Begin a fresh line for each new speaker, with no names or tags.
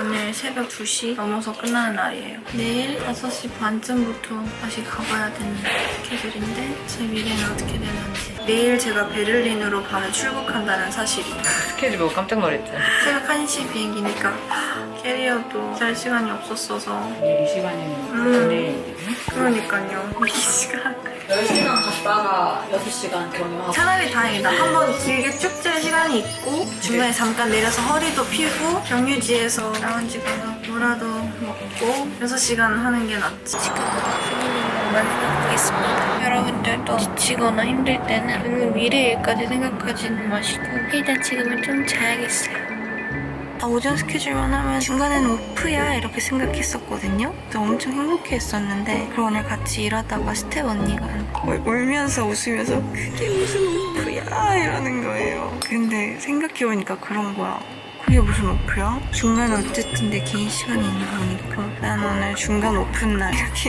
오늘 새벽 2시 넘어서 끝나는 날이에요. 내일 5시 반쯤부터 다시 가봐야 되는 스케줄인데 제 미래는 어떻게 되는지. 내일 제가 베를린으로 밤에 출국한다는 사실이.
스케줄 보고 깜짝 놀랐죠.
새벽 1시 비행기니까 캐리어도 잘 시간이 없었어서.
이 시간이면 내일.
그러니까요. 이 시간.
10시간 갔다가 6시간 경유하고.
차라리 다행이다. 한번 길게 쭉 짤 시간이 있고 중간에 잠깐 내려서 허리도 펴고 경유지에서 라운지 가서 뭐라도 먹고 6시간 하는 게 낫지. 지금 필리핀만 생각하겠습니다. 여러분들도 지치거나 힘들 때는 미래 일까지 생각하지는 마시고 일단 지금은 좀 자야겠어요. 오전 스케줄만 하면 중간에는 오프야 이렇게 생각했었거든요. 그래서 엄청 행복해했었는데 그리고 오늘 같이 일하다가 스텝 언니가 울면서 웃으면서 그게 무슨 오프야 이러는 거예요. 근데 생각해보니까 그런 거야. 그게 무슨 오프야? 중간에 어쨌든 내 개인 시간이 있는 거니까 난 오늘 중간 오픈 날 이렇게